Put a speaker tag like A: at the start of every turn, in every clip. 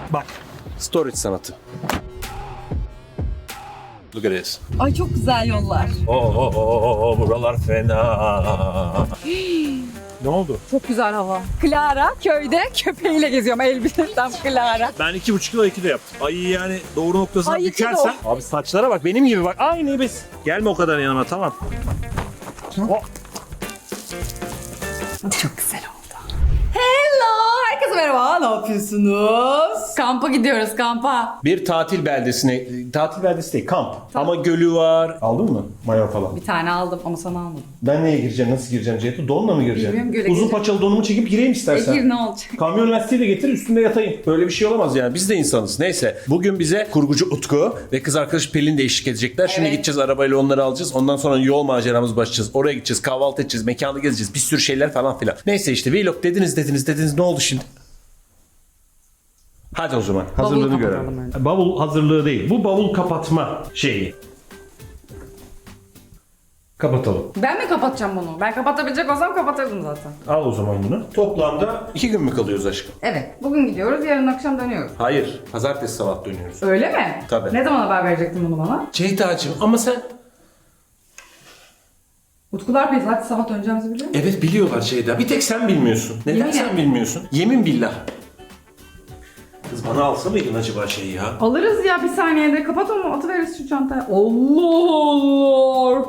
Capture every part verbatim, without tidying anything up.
A: Bak. Storage sanatı. Look at this.
B: Ay çok güzel yollar.
A: Oo, oo, oo, oo, buralar fena. Ne oldu?
B: Çok güzel hava. Clara köyde köpeğiyle geziyorum. Elbisem Clara.
A: Ben iki buçuk kilo iki de yaptım. Ay yani doğru noktasına
B: Ay, iki
A: bükersen. Abi saçlara bak benim gibi bak. Aynı biz. Gelme o kadar yanıma tamam. Oh.
B: Çok güzel oldu. Hello! Herkese merhaba. Ne yapıyorsunuz? Kampa gidiyoruz kampa.
A: Bir tatil beldesine, tatil beldesi değil kamp. Ama gölü var. Aldın mı? Mayo falan.
B: Bir tane aldım ama sana almadım.
A: Ben neye gireceğim, nasıl gireceğim Ceyhun? Donla mı gireceğim?
B: Bilmiyorum, göle
A: Uzun
B: gireceğim.
A: paçalı donumu çekip gireyim istersen.
B: E gir ne olacak?
A: Kamyon lastiği de getir üstünde yatayım. Böyle bir şey olamaz yani. Biz de insanız. Neyse. Bugün bize kurgucu Utku ve kız arkadaş Pelin de eşlik edecekler. Şimdi
B: Evet.
A: gideceğiz arabayla onları alacağız. Ondan sonra yol maceramız başlayacağız. Oraya gideceğiz. Kahvaltı edeceğiz. Mekanı gezeceğiz. Bir sürü şeyler falan filan. Neyse işte vlog dediniz dediniz dediniz. Ne oldu şimdi? Hadi o zaman. Hazırlığını
B: kapatalım
A: görelim.
B: önce.
A: Bavul hazırlığı değil. Bu bavul kapatma şeyi. Kapatalım.
B: Ben mi kapatacağım bunu? Ben kapatabilecek olsam kapatırdım zaten.
A: Al o zaman bunu. Toplamda iki gün mü kalıyoruz aşkım?
B: Evet. Bugün gidiyoruz. Yarın akşam dönüyoruz.
A: Hayır. Pazartesi sabah dönüyoruz.
B: Öyle mi?
A: Tabii.
B: Ne zaman haber verecektin bunu bana?
A: Ceyda'cığım ama sen...
B: Utkular Bey zaten sabah döneceğimizi biliyor musun?
A: Evet biliyorlar Ceyda. Bir tek sen bilmiyorsun. Neden
B: Yemin
A: sen
B: et.
A: bilmiyorsun? Yemin billah. Kız bana alsa mıydın acaba şeyi ya?
B: Alırız ya bir saniyede. Kapat onu atıveririz şu çantaya. Allah Allah.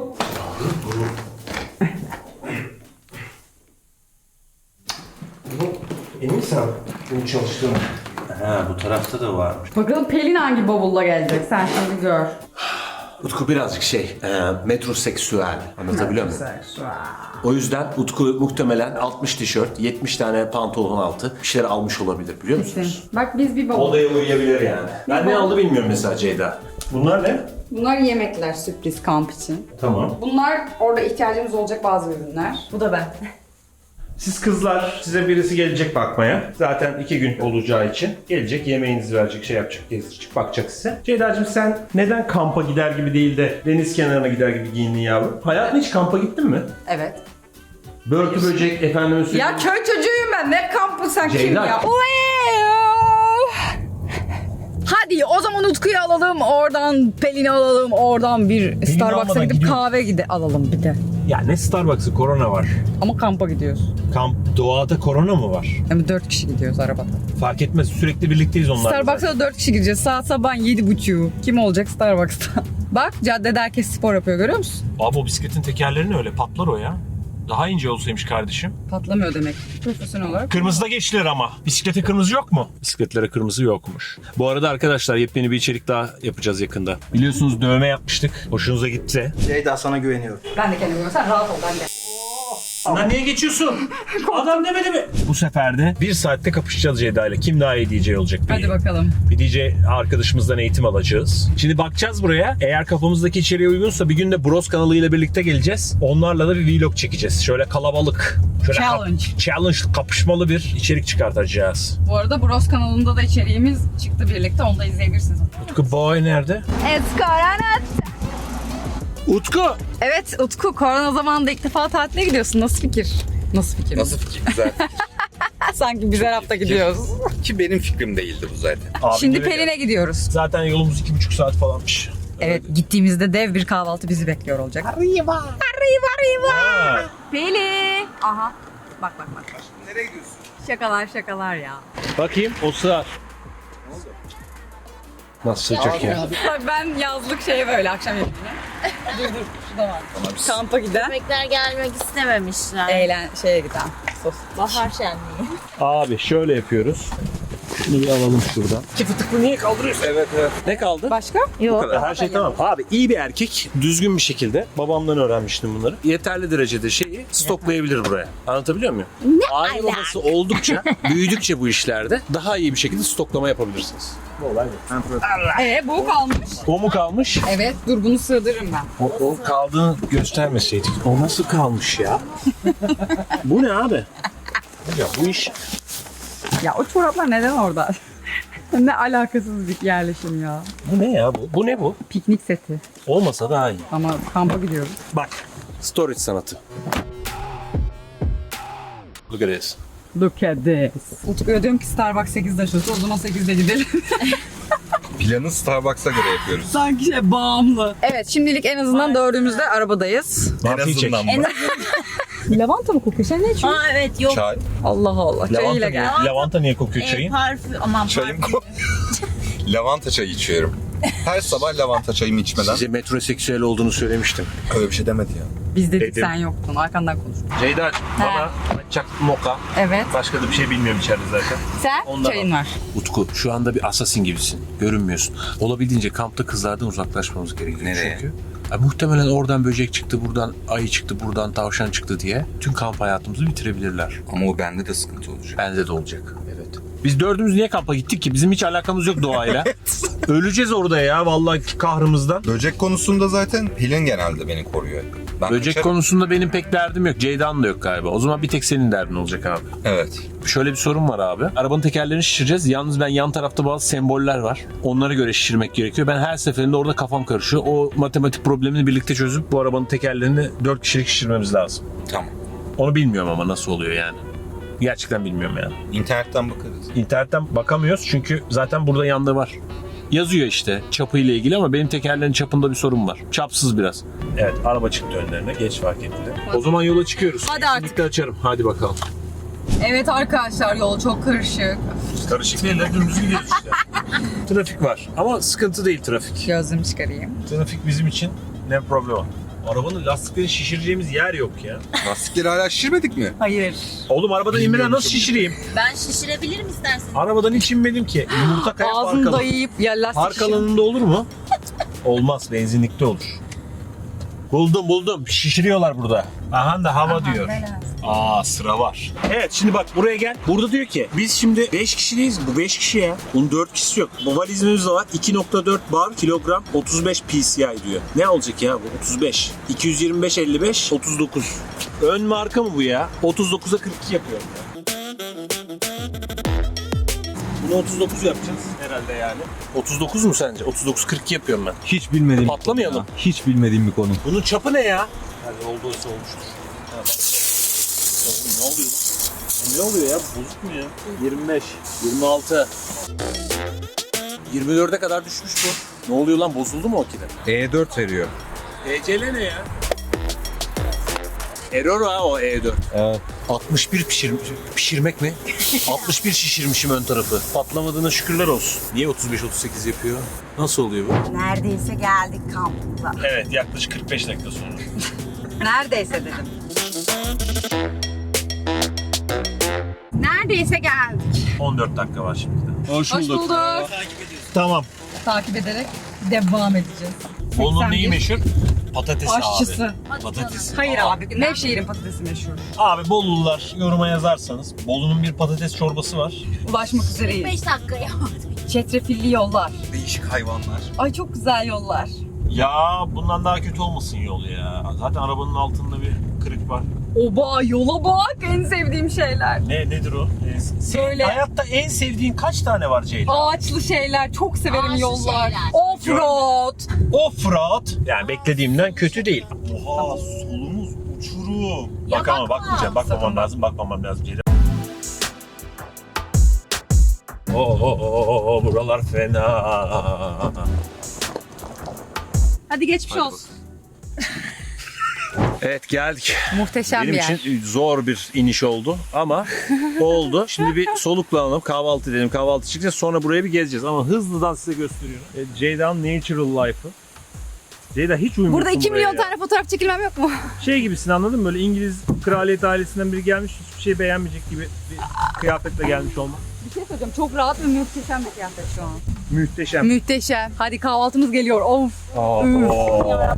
A: Emin misin abi? Bunu çalıştığını. Ha bu tarafta da varmış.
B: Bakalım Pelin hangi bavulla gelecek sen şimdi gör.
A: Utku birazcık şey, e, metroseksüel. Anlatabiliyor muyum?
B: Güzel.
A: O yüzden Utku muhtemelen altmış tişört, yetmiş tane pantolon altı bir şeyler almış olabilir biliyor musunuz?
B: Bak biz bir bavul.
A: Odaya uyuyabilir yani. Ben ne aldı bilmiyorum mesela Ceyda. Bunlar ne?
B: Bunlar yemekler sürpriz kamp için.
A: Tamam.
B: Bunlar orada ihtiyacımız olacak bazı ürünler. Bu da ben.
A: Siz kızlar, size birisi gelecek bakmaya. Zaten iki gün olacağı için gelecek, yemeğinizi verecek, şey yapacak, gezdirecek, bakacak size. Ceyda'cığım sen neden kampa gider gibi değil de deniz kenarına gider gibi giyindin yavrum? Hayatın hiç kampa gittin mi?
B: Evet.
A: Börtü böcek, efendime söyleyeyim.
B: Ya köy çocuğuyum ben. Ne kampı sen kim
A: Ceyda.
B: ya? Hadi o zaman Utku'yu alalım, oradan Pelin'i alalım, oradan bir Starbucks'a
A: almadan
B: gidip
A: gidiyorum.
B: kahve gide alalım bir de.
A: Ya ne Starbucks'ı, korona var.
B: Ama kampa gidiyoruz.
A: Kamp, doğada korona mı var?
B: Yani dört kişi gidiyoruz arabada.
A: Fark etmez, sürekli birlikteyiz onlarla.
B: Starbucks'a da dört kişi gideceğiz. Saat sabah yedi buçuğu. Kim olacak Starbucks'ta? Bak caddede herkes spor yapıyor görüyor musun?
A: Abi o bisikletin tekerlerini öyle patlar o ya. Daha ince olsaymış kardeşim.
B: Patlamıyor demek. Profesyonel olarak.
A: Kırmızıda geçtiler ama. Bisiklete kırmızı yok mu? Bisikletlere kırmızı yokmuş. Bu arada arkadaşlar yepyeni bir içerik daha yapacağız yakında. Biliyorsunuz dövme yapmıştık. Hoşunuza gitti.
C: Ceyda sana güveniyorum.
B: Ben de kendime güveniyorum. Sen rahat ol ben de.
A: Lan niye geçiyorsun? Adam demedi mi? Bu sefer de bir saatte kapışacağız Ceyda ile. Kim daha iyi D J olacak?
B: Hadi bakalım.
A: Bir D J arkadaşımızdan eğitim alacağız. Şimdi bakacağız buraya. Eğer kafamızdaki içeriğe uygunsa bir gün de Bros kanalıyla birlikte geleceğiz. Onlarla da bir vlog çekeceğiz. Şöyle kalabalık. Şöyle
B: Challenge.
A: Kap- challenge kapışmalı bir içerik çıkartacağız.
B: Bu arada Bros kanalında da içeriğimiz çıktı birlikte. Onu da izleyebilirsiniz.
A: Utku boy nerede?
B: It's Corona.
A: Utku!
B: Evet Utku, korona zamanında ilk defa tatile gidiyorsun. Nasıl fikir? Nasıl fikir?
C: Nasıl fikir? Güzel
B: Sanki biz her hafta gidiyoruz.
C: fikir. Ki benim fikrim değildi bu zaten.
A: Abi
B: Şimdi
A: nereye-
B: Pelin'e gidiyoruz.
A: Zaten yolumuz iki buçuk saat falanmış.
B: Evet, gittiğimizde dev bir kahvaltı bizi bekliyor olacak. Arriba! Arriba, arriba!
A: Ha.
B: Pelin! Aha, bak bak bak.
C: Nereye gidiyorsun?
B: Şakalar şakalar ya.
A: Bakayım o sığar. Nasıl sığacak ya?
B: Bak ben yazlık şey böyle akşam yemeğine. dur dur, şu da var. Kampa giden,
D: Köpekler gelmek istememişler.
B: eğlen şeye giden. Sos.
D: Bahar şenliği.
A: Abi şöyle yapıyoruz. Şunu bir alalım şuradan. İki fıtıklı niye kaldırıyorsun?
C: Evet evet.
A: Ne kaldı?
B: Başka?
D: Yok.
A: Her şey tamam. Abi iyi bir erkek düzgün bir şekilde babamdan öğrenmiştim bunları. Yeterli derecede şeyi stoklayabilir buraya. Anlatabiliyor muyum? Ne Aile babası oldukça, büyüdükçe bu işlerde daha iyi bir şekilde stoklama yapabilirsiniz. Bu olay bu.
B: Ee bu kalmış.
A: O mu kalmış?
B: Evet, dur bunu sığdırırım ben.
A: O, o kaldığını göstermeseydik. O nasıl kalmış ya? Bu ne abi? Ya bu iş...
B: Ya o çoraplar neden orada? Ne alakasız bir yerleşim ya.
A: Bu ne ya bu? Bu ne bu?
B: Piknik seti.
A: Olmasa daha iyi.
B: Ama kampa gidiyoruz.
A: Bak. Storage sanatı. Look at this.
B: Look at this. Utku'ya diyorum ki Starbucks sekizde açılsa o zaman sekizde gidelim.
C: Planı Starbucks'a göre yapıyoruz.
B: Sanki şey bağımlı. Evet şimdilik en azından dördümüzde arabadayız.
C: En azından mı?
B: Lavanta mı kokuyor? Sen ne içiyorsun?
D: Aa evet yok.
C: Çay.
B: Allah Allah. Çayıyla gel.
A: Lavanta niye kokuyor
D: E,
A: çayın?
D: parfüm aman
C: Çayım
D: parfüm.
C: ko- Lavanta çayı içiyorum. Her sabah lavanta çayımı içmeden.
A: Size metroseksüel olduğunu söylemiştim.
C: Öyle bir şey demedi ya.
B: Biz dedik
A: Dedim.
B: sen yoktun. Arkandan konuş.
A: Ceyda bana çak moka.
B: Evet.
A: Başka da bir şey bilmiyorum içeride zaten.
B: Sen
A: Ondan
B: çayın
A: al.
B: var.
A: Utku şu anda bir assassin gibisin. Görünmüyorsun. Olabildiğince kampta kızlardan uzaklaşmamız gerekiyor.
C: Nereye?
A: Çünkü ya, muhtemelen oradan böcek çıktı, buradan ayı çıktı, buradan tavşan çıktı diye tüm kamp hayatımızı bitirebilirler.
C: Ama o bende de sıkıntı olacak.
A: Bende de olacak. Evet. Biz dördümüz niye kampa gittik ki? Bizim hiç alakamız yok doğayla. Öleceğiz orada ya vallahi kahrımızdan.
C: Böcek konusunda zaten Pelin genelde beni koruyor. Ben
A: Böcek
C: kaçarım.
A: konusunda benim pek derdim yok. Ceyda'nın da yok galiba. O zaman bir tek senin derdin olacak abi.
C: Evet.
A: Şöyle bir sorun var abi. Arabanın tekerlerini şişireceğiz. Yalnız ben yan tarafta bazı semboller var. Onlara göre şişirmek gerekiyor. Ben her seferinde orada kafam karışıyor. O matematik problemini birlikte çözüp bu arabanın tekerlerini dört kişilik şişirmemiz lazım.
C: Tamam.
A: Onu bilmiyorum ama nasıl oluyor yani. Gerçekten bilmiyorum yani.
C: İnternetten bakarız.
A: İnternetten bakamıyoruz çünkü zaten burada yandığı var. Yazıyor işte çapıyla ilgili ama benim tekerlerin çapında bir sorun var. Çapsız biraz. Evet araba çıktı önlerine. Geç fark etti. O zaman yola çıkıyoruz.
B: Hadi artık.
A: Kesinlikle açarım. Hadi bakalım.
B: Evet arkadaşlar yol çok karışık.
A: Karışık değil de dümdüz gidiyoruz işte. Trafik var ama sıkıntı değil trafik.
B: Gözlüğümü çıkarayım.
A: Trafik bizim için ne problem. Arabanın lastiklerini şişireceğimiz yer yok ya.
C: Lastikleri hala şişirmedik mi?
B: Hayır.
A: Oğlum arabadan inmeden nasıl şişireyim?
D: Ben şişirebilirim istersen.
A: Arabadan hiç inmedim ki. Yumurta kaya park
B: Ağzını
A: alanı.
B: dayayıp ya lastik
A: Park
B: şişir-
A: alanında olur mu? Olmaz. Benzinlikte olur. Buldum buldum. Şişiriyorlar burada. Aha da hava diyor. Aa sıra var. Evet şimdi bak buraya gel. Burada diyor ki biz şimdi beş kişiyiz. Bu beş kişi ya. Bunun dört kişisi yok. Bu valizimiz de var. iki nokta dört bar kilogram otuz beş P C I diyor. Ne olacak ya bu? otuz beş. iki yüz yirmi beş elli beş otuz dokuz. Ön marka mı bu ya? otuz dokuza kırk iki yapıyor. Bunu otuz dokuz yapacağız herhalde yani. otuz dokuz mu sence? otuz dokuz kırk iki yapıyorum ben.
E: Hiç bilmediğim
A: Patlamayalım.
E: bir konu ya. Hiç bilmediğim bir konu.
A: Bunun çapı ne ya? Hadi olduysa olmuştur. Ha, bak. Ne oluyor lan? Ne oluyor ya? Bozuk mu ya? yirmi beş, yirmi altı. yirmi dörde kadar düşmüş bu. Ne oluyor lan? Bozuldu mu o kide?
C: E dört veriyor.
A: E C L ne ya? Error ha o E dört.
E: Evet.
A: altmış bir pişir, pişirmek mi? altmış bir şişirmişim ön tarafı. Patlamadığına şükürler olsun. Niye otuz beş otuz sekiz yapıyor? Nasıl oluyor bu?
F: Neredeyse geldik kampımıza.
A: Evet yaklaşık kırk beş dakika sonra.
B: Neredeyse dedim. Neredeyse geldik.
A: on dört dakika var şimdi de.
B: Hoş bulduk.
A: Tamam.
B: Takip ederek devam edeceğiz.
A: Bolu'nun neyi
B: seksen bir.
A: meşhur? Patatesi
B: Aşçısı.
A: abi. Patatesi.
B: Hayır abi. Nevşehir'in patatesi meşhur.
A: Abi Bolulular yoruma yazarsanız Bolu'nun bir patates çorbası var.
B: Ulaşmak üzereyiz.
D: beş dakika ya.
B: Çetrefilli yollar.
C: Değişik hayvanlar.
B: Ay çok güzel yollar.
A: Ya bundan daha kötü olmasın yol ya. Zaten arabanın altında bir kırık var.
B: Oba yola bak en sevdiğim şeyler.
A: Ne nedir o? Ee, senin
B: Söyle.
A: hayatta en sevdiğin kaç tane var Ceylan?
B: Ağaçlı şeyler çok severim
D: Ağaçlı
B: yollar.
D: şeyler.
B: Offroad.
A: Offroad. Yani beklediğimden kötü değil. Oha solumuz uçurum.
D: Ya
A: Bak ama
D: bakma.
A: bakmayacağım. Bakmamam lazım. Bakmamam lazım Ceylan. Oo, oo, oo, oo, buralar fena.
B: Hadi geçmiş olsun.
A: Evet geldik.
B: Muhteşem
A: Benim
B: bir yer.
A: için zor bir iniş oldu ama oldu. Şimdi bir soluklanalım, kahvaltı edelim, kahvaltı çıkacağız. Sonra buraya bir gezeceğiz ama hızlıdan size gösteriyorum. E, Ceyda'nın Natural Life'ı. Ceyda hiç uyumuyorsun
B: Burada iki
A: buraya
B: milyon
A: ya.
B: tane fotoğraf çekilmem yok mu?
A: Şey gibisin anladın mı? Böyle İngiliz kraliyet ailesinden biri gelmiş hiçbir şey beğenmeyecek gibi bir kıyafetle gelmiş olmak.
B: Bir şey söyleyeceğim. Çok rahat ve muhteşem bir kıyafet şu an.
A: Muhteşem.
B: Muhteşem. Hadi kahvaltımız geliyor. Of.
A: Aa,
B: Üf.
A: oo.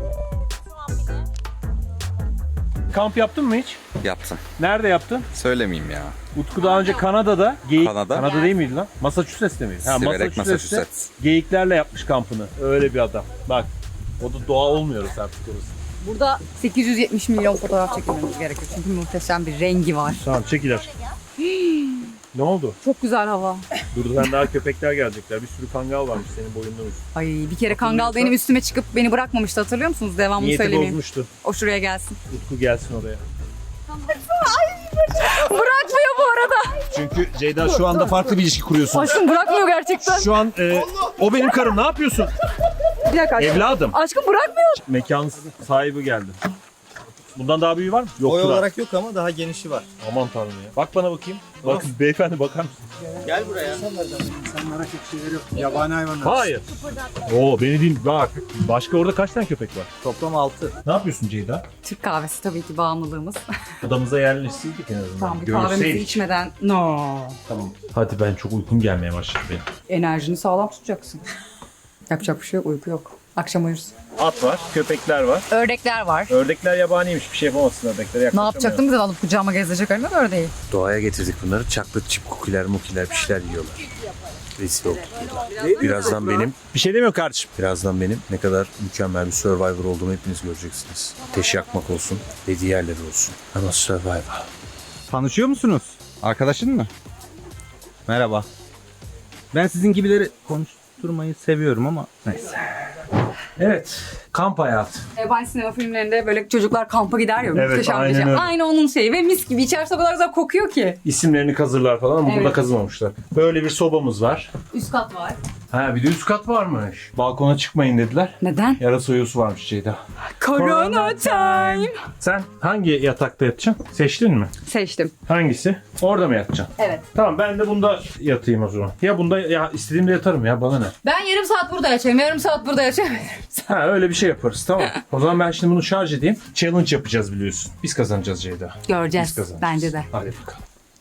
A: Kamp yaptın mı hiç?
C: Yaptım.
A: Nerede yaptın?
C: Söylemeyeyim ya.
A: Utku daha önce Kanada'da, geyik,
C: Kanada?
A: Kanada değil miydi lan? Massachusetts'te miydi? Ha,
C: Siverek,
A: Massachusetts'te
C: Massachusetts.
A: geyiklerle yapmış kampını. Öyle bir adam. Bak, o da doğa olmuyoruz artık orası.
B: Burada sekiz yüz yetmiş milyon fotoğraf çekilmemiz gerekiyor. Çünkü muhteşem bir rengi var.
A: Tamam, çekiler. Ne oldu?
B: Çok güzel hava.
A: Durdudan daha köpekler gelecekler. Bir sürü kangal varmış senin boyundan uzun.
B: Ay bir kere kangal benim üstüme çıkıp beni bırakmamıştı hatırlıyor musunuz? Devamını
A: Niyeti
B: söylemeyeyim.
A: bozmuştu.
B: O şuraya gelsin.
A: Utku gelsin oraya.
B: Bırak bırakmıyor bu arada.
A: Çünkü Ceyda şu anda farklı bir ilişki kuruyorsun.
B: Aşkım bırakmıyor gerçekten.
A: Şu an e, o benim karım, ne yapıyorsun?
B: Bir dakika aşkım.
A: Evladım.
B: Aşkım bırakmıyor.
A: Mekan sahibi geldi. Bundan daha büyüğü var mı? Yok.
E: Boy olarak yok ama daha genişi var.
A: Aman tanrım ya. Bak bana bakayım. Bak beyefendi, bakar mısın?
E: Gel buraya.
G: Yabani hayvanlar.
A: Hayır. Oo, beni değil. Bak. Başka orada kaç tane köpek var?
E: Toplam altı.
A: Ne yapıyorsun Ceyda?
B: Türk kahvesi tabii ki bağımlılığımız.
A: Odamıza yerleşseydik en azından.
B: Tamam bir kahvemizi
A: Görseydik.
B: içmeden. No.
A: Tamam. Hadi, ben çok uykum gelmeye başladı benim.
B: Enerjini sağlam tutacaksın. Yapacak bir şey yok, uyku yok. Akşam uyursun.
A: At var, köpekler var.
B: Ördekler var.
A: Ördekler yabaniymiş. Bir şey yapamazsın ördeklere.
B: Ne yapacaktım bize alıp kucağıma gezecek öyle mi ördeği?
A: Doğaya getirdik bunları. Çaklık çip kukiler mukiler bir şeyler yiyorlar. Rezil olduk burada. Birazdan benim... Bir şey demiyor kardeşim. Birazdan benim ne kadar mükemmel bir Survivor olduğumu hepiniz göreceksiniz. Ateş yakmak olsun, dediği yerleri olsun. Ama Survivor.
E: Tanışıyor musunuz? Arkadaşın mı? Merhaba. Ben sizin gibileri konuşturmayı seviyorum ama neyse.
A: Evet, kamp hayatı.
B: Yabancı sinema filmlerinde böyle çocuklar kampa gider ya.
A: Evet,
B: muhteşem bir
A: aynen
B: şey.
A: öyle.
B: Aynı onun şeyi ve mis gibi içerisi o kadar güzel kokuyor ki.
A: İsimlerini kazırlar falan ama
B: Evet.
A: burada kazımamışlar. Böyle bir sobamız var.
B: Üst kat var.
A: Ha, bir de üst kat varmış. Balkona çıkmayın dediler.
B: Neden?
A: Yarasa uyusu varmış Ceyda.
B: Corona time.
A: Sen hangi yatakta yatacaksın? Seçtin mi?
B: Seçtim.
A: Hangisi? Orada mı yatacaksın?
B: Evet.
A: Tamam, ben de bunda yatayım o zaman. Ya bunda, ya istediğimde yatarım ya, bana ne?
B: Ben yarım saat burada yaşayayım, yarım saat burada yaşayayım.
A: Ha, öyle bir şey yaparız, tamam. O zaman ben şimdi bunu şarj edeyim. Challenge yapacağız biliyorsun. Biz kazanacağız Ceyda. Biz
B: Göreceğiz.
A: kazanacağız.
B: Bence de.
A: Hadi bakalım.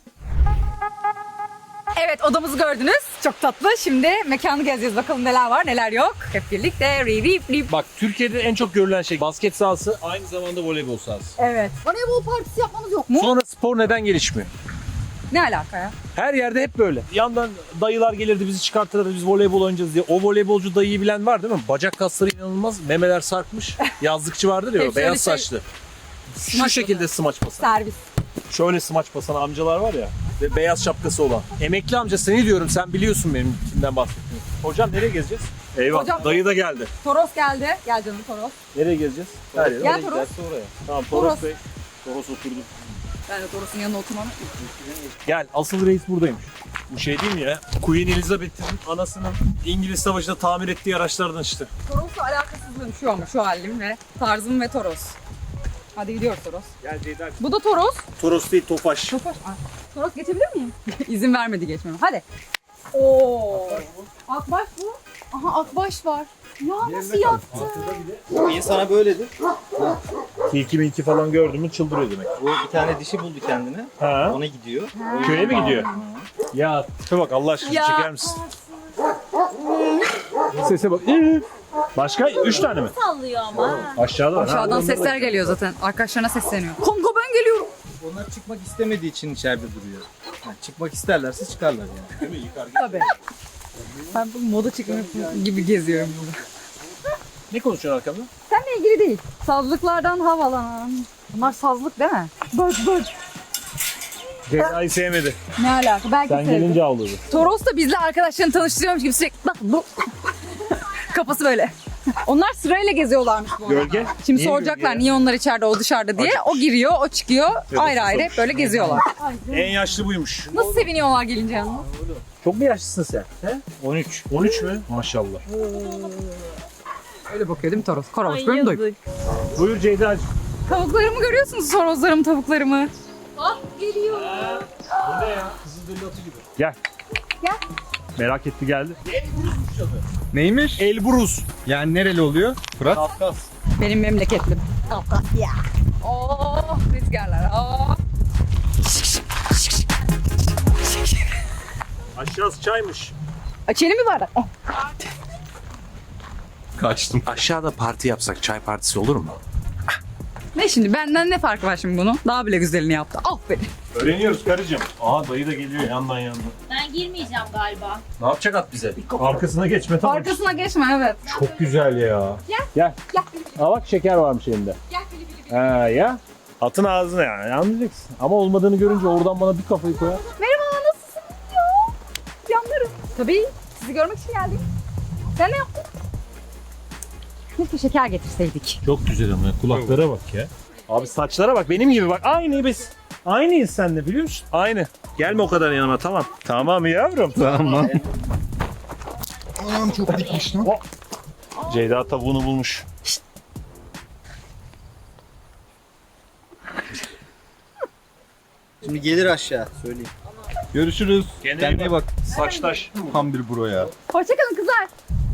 B: Evet, odamızı gördünüz. Çok tatlı. Şimdi mekanı gezeceğiz. Bakalım neler var neler yok. Hep birlikte. Ri ri ri.
A: Bak, Türkiye'de en çok görülen şey basket sahası, aynı zamanda voleybol sahası.
B: Evet. Voleybol partisi yapmamız yok mu?
A: Sonra spor neden gelişmiyor?
B: Ne alaka ya?
A: Her yerde hep böyle. Yandan dayılar gelirdi, bizi çıkartırdı, biz voleybol oynayacağız diye. O voleybolcu dayıyı bilen var değil mi? Bacak kasları inanılmaz, memeler sarkmış. Yazlıkçı vardır ya,
B: Hep
A: o beyaz
B: şöyle şey-
A: saçlı. Şu
B: Smaç
A: şekilde smaç basan.
B: Servis.
A: Şöyle smaç basan amcalar var ya. Ve beyaz şapkası olan. Emekli amca, seni diyorum, sen biliyorsun benim kimden bahsettiğimi. Hocam nereye gezeceğiz? Eyvah,
B: Hocam-
A: dayı da geldi.
B: Toros geldi. Gel canım Toros.
A: Nereye gezeceğiz? Her yere.
B: Gel
A: Nereye
B: Toros.
A: giderse oraya. Tamam, Toros,
B: Toros.
A: Bey. Toros oturdu.
B: Ben de Toros'un yanına oturmam.
A: Gel, asıl reis buradaymış. Bu şey değil mi ya? Queen Elizabeth'in anasının İngiliz Savaşı'nda tamir ettiği araçlardan işte.
B: Toros'la alakasızlığım şu ama şu halim ve tarzım ve Toros. Hadi gidiyoruz Toros.
A: Gel Ceyda.
B: Bu da Toros.
A: Toros değil, Tofaş.
B: Tofaş. Aa, Toros geçebilir miyim? İzin vermedi geçmeme. Hadi. Oo. Akbaş bu. Aha akbaş var. Ya nasıl yaptı?
E: İnsana böyledir.
A: Tilki milki falan gördün mü çıldırıyor demek.
E: Bu bir tane dişi buldu kendine.
A: Ha?
E: Ona gidiyor.
A: Köye mi gidiyor? Ya tipe bak, Allah aşkına
B: Ya.
A: çeker misin? Sese bak. Ee, Başka? Üç tane mi?
D: Sallıyor ama.
A: Aşağıda var.
B: Aşağıdan
A: Ha,
B: sesler geliyor zaten. Arkadaşlarına sesleniyor. Kanka ben geliyorum.
E: Onlar çıkmak istemediği için içeride duruyor. Yani çıkmak isterlerse çıkarlar yani.
B: Tabii. Ben bu moda çıkmak gibi geziyorum burada.
A: Ne konuşuyorsun arkamda?
B: Seninle ilgili değil. Sazlıklardan havalan. Bunlar sazlık değil mi? Bak bak.
A: Ceyda'yı sevmedi.
B: Ne alaka? Belki
A: Sen
B: sevdim.
A: gelince ağladı.
B: Toros da bizle arkadaşlarını tanıştırıyormuş gibi sürekli bak bu. Kafası böyle. Onlar sırayla geziyorlarmış bu arada.
A: Gölge?
B: Şimdi
A: Niye
B: soracaklar
A: gölge?
B: niye onlar içeride o dışarıda diye. O giriyor, o çıkıyor. Ayrı ayrı hep böyle geziyorlar.
A: En yaşlı buymuş.
B: Nasıl seviniyorlar gelince yanına?
A: Çok mu yaşlısın sen? He? on üç. on üç mü? Maşallah.
B: Öyle bakıyor değil mi Toros? Koros benim doyum.
A: Buyur Ceyda'cığım.
B: Tavuklarımı görüyorsunuz, sorozlarımı, tavuklarımı.
A: Bu ne ya? Kızılderili atı gibi. Gel.
B: Gel.
A: Merak etti, geldi.
E: Neymiş?
A: Elbrus.
E: Yani nereli oluyor? Fırat?
A: Kafkas.
B: Benim memleketlim. Kafkasya. Oh, rüzgarlar. Oh.
A: Aşağısı çaymış.
B: Açelim mi bardak? Oh.
A: Kaçtım. Aşağıda parti yapsak, çay partisi olur mu?
B: Ne şimdi? Benden ne farkı var şimdi bunun? Daha bile güzelini yaptı. Aferin.
A: Öğreniyoruz karıcığım. Aha, dayı da geliyor yandan yandan.
D: Ben girmeyeceğim galiba.
A: Ne yapacak at bize? Arkasına geçme, tamam.
B: Arkasına geçme evet.
A: Çok güzel ya.
B: Gel.
A: Gel.
B: Gel.
A: Aa, bak şeker varmış elinde.
B: Gel bili bili bili.
A: Ha ya. Atın ağzına yani, anlayacaksın. Ama olmadığını görünce oradan bana bir kafayı koyar.
B: Merhaba nasılsınız ya? Yanlarım. Tabii sizi görmek için geldik. Sen ne yaptın? Keşke şeker getirseydik.
A: Çok güzel ama kulaklara bak ya. Abi saçlara bak, benim gibi bak. Aynı biz. Aynıyız seninle biliyor musun? Aynı. Gelme o kadar yanıma tamam. Tamam yavrum.
C: Tamam.
G: Ayağım çok dikmiş lan.
A: Ceyda tavuğunu bulmuş.
E: Şimdi gelir aşağı söyleyeyim.
C: Görüşürüz.
A: Kendine iyi bak. Saçtaş.
C: Tam bir bro ya.
B: Hoşçakalın kızlar.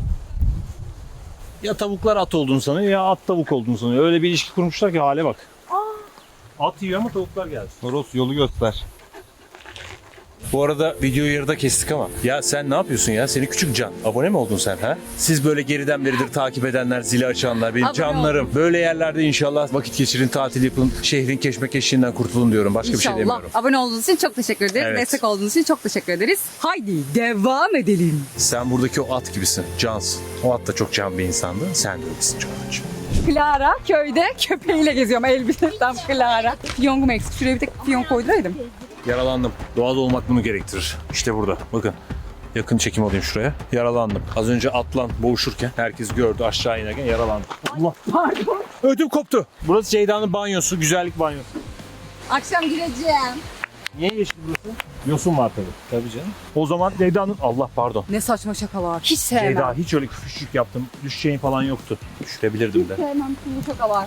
A: Ya tavuklar at olduğunu sanıyor ya at tavuk olduğunu sanıyor. Öyle bir ilişki kurmuşlar ki hale bak. At yiyor ama tavuklar geldi.
C: Toros yolu göster.
A: Bu arada videoyu yarıda kestik ama. Ya sen ne yapıyorsun ya? Seni küçük can. Abone mi oldun sen ha? Siz böyle geriden beridir takip edenler, zili açanlar, benim
B: Abone
A: canlarım. Böyle yerlerde inşallah vakit geçirin, tatil yapın, şehrin keşmekeşliğinden kurtulun diyorum. Başka bir şey
B: İnşallah.
A: demiyorum.
B: Abone olduğunuz için çok teşekkür ederiz.
A: Evet.
B: Destek olduğunuz için çok teşekkür ederiz. Haydi devam edelim.
A: Sen buradaki o at gibisin. Cansın. O at da çok can bir insandı. Sen de öylesin Can'cığım.
B: Clara köyde köpeğiyle geziyorum. Elbise tam Clara. Fiyongum eksik. Şuraya bir tek fiyon koyduraydım.
A: Yaralandım. Doğada olmak bunu gerektirir. İşte burada. Bakın. Yakın çekim alayım şuraya. Yaralandım. Az önce atlan boğuşurken herkes gördü aşağı inerken yaralandım. Allah.
B: Pardon.
A: Ödüm koptu. Burası Ceyda'nın banyosu. Güzellik banyosu.
B: Akşam gireceğim.
A: Niye yeşil burası? Yosun var tabii. Tabii canım. O zaman Ceyda'nın... Allah pardon.
B: Ne saçma şakalar. Hiç sevmem.
A: Ceyda hiç öyle küçük yaptım. Düşeceğin falan yoktu. Düşürebilirdim de.
B: Sevmem bu şakalar.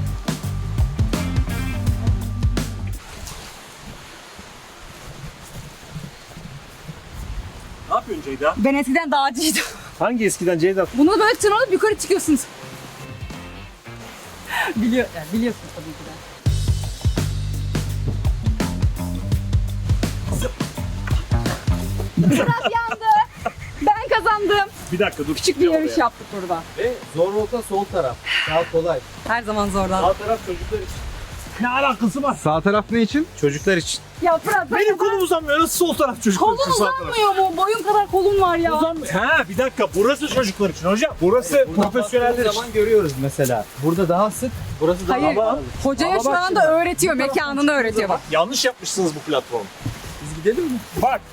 A: Ne yapıyorsun Ceyda?
B: Ben eskiden dağcıydım.
A: Hangi eskiden Ceyda?
B: Bunu böyle tırmanıp yukarı çıkıyorsunuz. Biliyor, yani biliyorsunuz tabii ki de. Biraz yandı. Ben kazandım.
A: Bir dakika dur.
B: Küçük bir yarış yaptık burada.
E: Ve zor nokta sol taraf. Daha kolay.
B: Her zaman zorlan.
A: Sağ taraf çocuklar için. Ne alakası var?
C: Sağ taraf ne için?
E: Çocuklar için.
B: Ya Fırat
A: Benim kolum uzanmıyor. Nasıl sol taraf çocuklar
B: kolun
A: için sağ taraf?
B: uzanmıyor mu? Boyun kadar kolun var ya.
A: Uzanmıyor. Ha bir dakika burası çocuklar için hocam. Burası profesyoneller
E: baktığımız
A: için.
E: zaman görüyoruz mesela. Burada daha sık, burası daha
B: Hayır.
E: ama
B: Hocaya
A: Ama
B: şu
A: bak
B: anda
A: şimdi.
B: öğretiyor. Mekanını öğretiyor bak.
A: Yanlış yapmışsınız bu platformu.
E: biz gidelim mi?
A: Bak.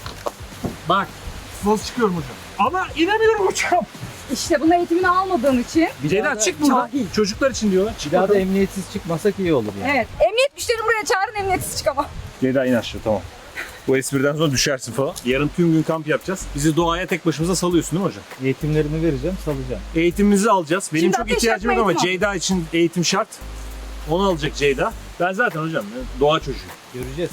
A: Bak. Nasıl çıkıyorum hocam? Ama inemiyorum hocam.
B: İşte bunun eğitimini almadığın için.
A: Ceyda çık buradan.
B: Cahil.
A: Çocuklar için diyorlar. Çık
E: Bir daha da
A: bakalım.
E: emniyetsiz çıkmasak iyi olur yani.
B: Evet. Emniyet güçlerini buraya çağırın, emniyetsiz çıkamam.
A: Ceyda in aşağı tamam. Bu espriden sonra düşersin falan. Yarın tüm gün kamp yapacağız. Bizi doğaya tek başımıza salıyorsun değil mi hocam?
E: Eğitimlerini vereceğim, salacağım.
A: Eğitimimizi alacağız. Benim
B: Şimdi
A: çok
B: ateş
A: ihtiyacım
B: yakma
A: yok ama
B: eğitimi al.
A: Ceyda için eğitim şart. Onu alacak Ceyda. Ben zaten hocam doğa çocuğu.
E: Göreceğiz.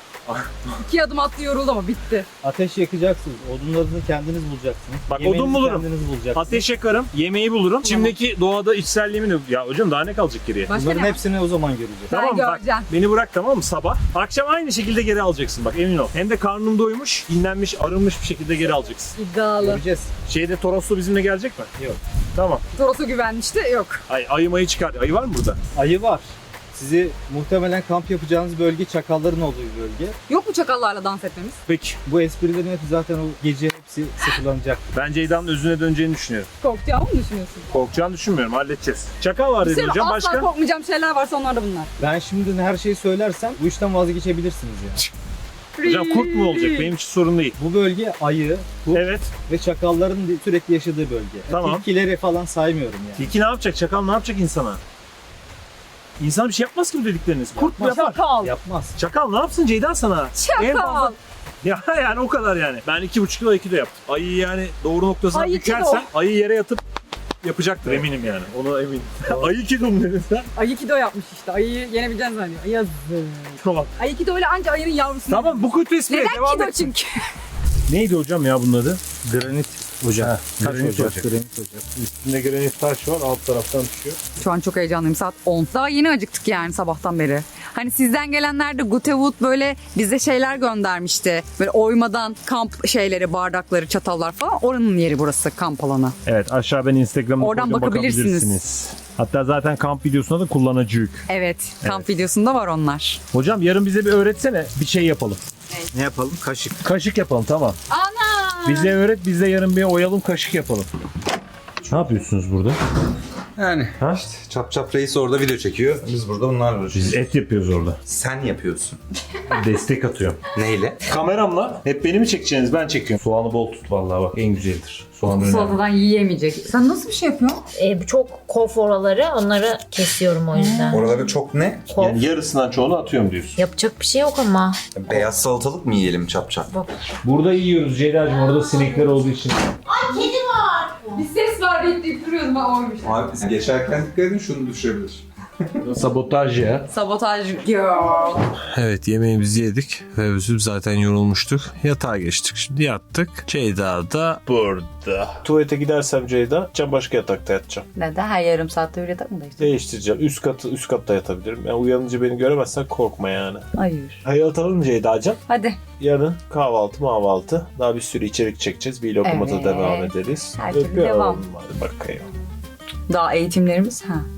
B: İki adım attı yoruldu ama bitti.
E: Ateş yakacaksınız. Odunlarınızı kendiniz bulacaksınız.
A: Bak,
E: Yemeğinizi
A: odun bulurum.
E: kendiniz bulacaksınız.
A: Ateş yakarım, yemeği bulurum. Şimdiki doğada içselliğimi de... Ya hocam daha ne kalacak geriye?
B: Başka
E: Bunların
B: ne?
E: hepsini o zaman göreceğiz.
B: Ben
A: Tamam mı? Bak,
B: göreceğim.
A: beni bırak tamam mı sabah? Akşam aynı şekilde geri alacaksın bak emin ol. Hem de karnım doymuş, dinlenmiş, arınmış bir şekilde geri alacaksın.
B: İddialı.
E: Göreceğiz.
A: Şeyde Toroslu bizimle gelecek mi?
E: Yok.
A: Tamam.
B: Toros'a güvenmişti. Yok.
A: Ay, ayı mayı çıkar. Ayı var mı burada?
E: Ayı var. Sizi muhtemelen kamp yapacağınız bölge çakalların olduğu bir bölge.
B: Yok mu çakallarla dans etmemiz?
A: Peki.
E: Bu esprilerin hepsi zaten o gece hepsi sıfırlanacak.
A: Ben Ceyda'nın özüne döneceğini düşünüyorum.
B: Korkacağımı mı düşünüyorsun?
A: Korkacağını düşünmüyorum. Halledeceğiz. Çakal var dedi
B: Senin
A: hocam.
B: asla
A: Başka?
B: korkmayacağım şeyler varsa onlar da bunlar.
E: Ben şimdi her şeyi söylersem bu işten vazgeçebilirsiniz yani.
A: Hocam kurt mu olacak? Benim için sorun değil.
E: Bu bölge ayı, kurt
A: Evet.
E: ve çakalların sürekli yaşadığı bölge.
A: Tamam.
E: Tilkileri falan saymıyorum yani.
A: Tilki ne yapacak? Çakal ne yapacak insana? İnsan bir şey yapmaz ki bu dedikleriniz. Kurt mu
E: Yapmaz.
A: yapar?
B: Çakal.
E: Yapmaz.
A: Çakal ne yapsın Ceyda sana? En
B: Çakal.
A: fazla- Ya yani o kadar yani. Ben iki buçuk kilo iki de yaptım. Ayı yani doğru noktasına
B: Ayı
A: bükersen
B: kilo.
A: ayı yere yatıp yapacaktır eminim yani. Ona eminim. Ayı kilo mu dedin sen?
B: Aikido yapmış işte. Ayıyı yenebileceğini zannediyor. Yazık.
A: Tamam.
B: Aikido ile anca ayının yavrusunu.
A: Tamam bu kötü espriye
B: Neden
A: devam
B: kido
A: et.
B: çünkü?
A: Neydi hocam ya bunun adı?
E: Granit ocak. Taş
A: granit
E: ocak.
A: ocak.
E: Granit ocak.
A: Üstünde granit taş var alt taraftan düşüyor.
B: Şu an çok heyecanlıyım. Saat on. Daha yeni acıktık yani sabahtan beri. Hani sizden gelenler de Gutewood böyle bize şeyler göndermişti. Böyle oymadan kamp şeyleri, bardakları, çatallar falan. Oranın yeri burası, kamp alanı.
A: Evet aşağı ben Instagram'da
B: Oradan
A: koydum,
B: bakabilirsiniz.
A: bakabilirsiniz. Hatta zaten kamp videosunda da kullanıcıyık.
B: Evet, kamp videosunda var onlar.
A: Hocam yarın bize bir öğretsene bir şey yapalım.
E: Ne yapalım? Kaşık.
A: Kaşık yapalım tamam.
B: Ana!
A: Bize öğret biz de yarın bir oyalım kaşık yapalım. Ne yapıyorsunuz burada?
C: Yani
A: Ha?
C: işte Çap Çap Reis orada video çekiyor. Biz burada bunlarla uğraşıyoruz.
A: Biz et yapıyoruz orada.
C: Sen yapıyorsun.
A: Destek atıyorum.
C: Neyle?
A: Kameramla hep beni mi çekeceksiniz? Ben çekiyorum. Soğanı bol tut vallahi bak en güzeldir. Soğan önemli.
B: Salatadan yiyemeyecek. Sen nasıl bir şey yapıyorsun?
D: E, bu çok kof oraları. Onları kesiyorum o yüzden.
C: Oraları çok ne?
D: Kof.
A: Yani yarısından çoğunu atıyorum diyorsun.
D: Yapacak bir şey yok ama.
C: Beyaz salatalık mı yiyelim Çap Çap?
A: Burada yiyoruz Ceyda'cığım. Orada sinekler olduğu için.
B: Bir ses var deyip duruyoruz ben oymuş.
C: Abi biz geçerken dikkat edin şunu düşebilir.
A: Sabotaj ya.
B: Sabotaj girl.
A: Evet yemeğimizi yedik ve bizim zaten yorulmuştuk. Yatağa geçtik. Şimdi yattık. Ceyda da burada. Tuvalete gidersem Ceyda, can başka yatakta yatacağım.
B: Neden? Her yarım saatte bir yatak mı değiştirdin?
A: Değiştireceğim. Üst katı üst katta yatabilirim. Yani uyanınca beni göremezsen korkma yani.
B: Hayır.
A: Hayır atalım Ceyda'cığım.
B: Hadi.
A: Yarın kahvaltı mahvaltı. Daha bir sürü içerik çekeceğiz. Vlog'uma da
B: Evet.
A: devam ederiz.
B: Her türlü
A: Öpüyorum.
B: devam.
A: Hadi bakayım.
B: Daha eğitimlerimiz. Ha.